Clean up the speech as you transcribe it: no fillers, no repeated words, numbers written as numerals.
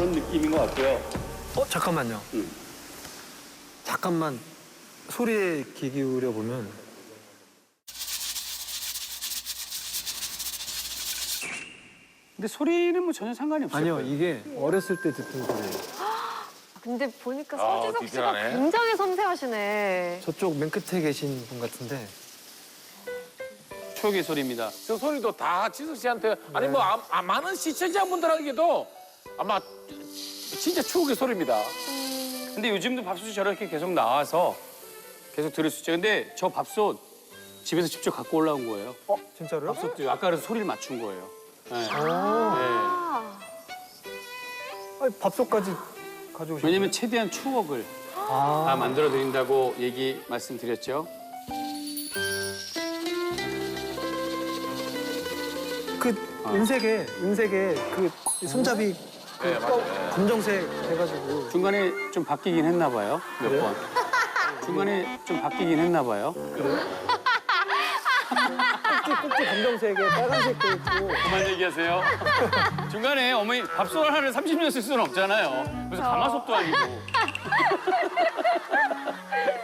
그런 느낌인 것 같고요. 잠깐만요. 잠깐만 소리에 귀 기울여 보면 근데 소리는 뭐 전혀 상관이 없어요. 아니요, 이게 어렸을 때 듣던 소리예요. 근데 보니까 서주석 씨가 디테일하네. 굉장히 섬세하시네. 저쪽 맨 끝에 계신 분 같은데 추억의 소리입니다. 저 소리도 다 지석 씨한테 아니 뭐 많은 시청자분들에게도 아마 진짜 추억의 소리입니다. 근데 요즘도 밥솥이 저렇게 계속 나와서 계속 들을 수 있죠. 근데 저 밥솥 집에서 직접 갖고 올라온 거예요. 진짜로요? 밥솥도 아까 그래서 소리를 맞춘 거예요. 네. 네. 아, 아니, 밥솥까지 가져오신 왜냐면 최대한 추억을 다 만들어 드린다고 말씀드렸죠. 그 은색에 그 손잡이 그 네, 맞아요. 검정색 해가지고 중간에 좀 바뀌긴 했나 봐요. 몇 번. 중간에 좀 바뀌긴 했나 봐요. 꼭지 검정색에 빨간색도 있고 그만 얘기하세요. 중간에 어머니 밥솥 하나를 30년 쓸 수는 없잖아요. 그래서 가마솥도 아니고.